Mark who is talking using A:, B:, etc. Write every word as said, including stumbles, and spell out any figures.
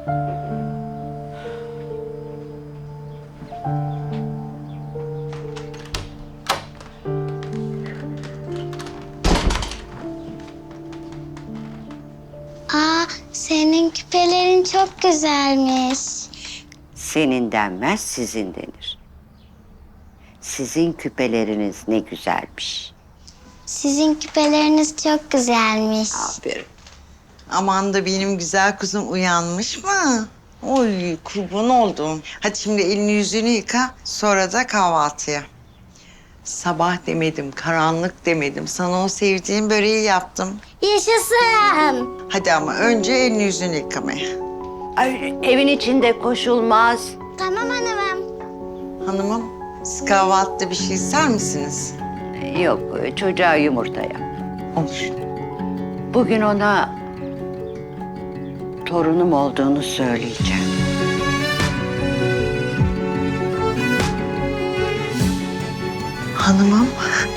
A: Aa, senin küpelerin çok güzelmiş.
B: Senin denmez, sizin denir. Sizin küpeleriniz ne güzelmiş.
A: Sizin küpeleriniz çok güzelmiş.
C: Aferin. Aman da benim güzel kuzum uyanmış mı? Oy kurban oldum. Hadi şimdi elini yüzünü yıka, sonra da kahvaltıya. Sabah demedim, karanlık demedim. Sana o sevdiğin böreği yaptım.
A: Yaşasın.
C: Hadi ama önce elini yüzünü yıkamaya.
B: Ay, evin içinde koşulmaz.
A: Tamam hanımım.
C: Hanımım, siz kahvaltıda bir şey ister misiniz?
B: Yok, çocuğa yumurta yap.
C: Olur.
B: Bugün ona torunum olduğunu söyleyeceğim.
C: Hanımım,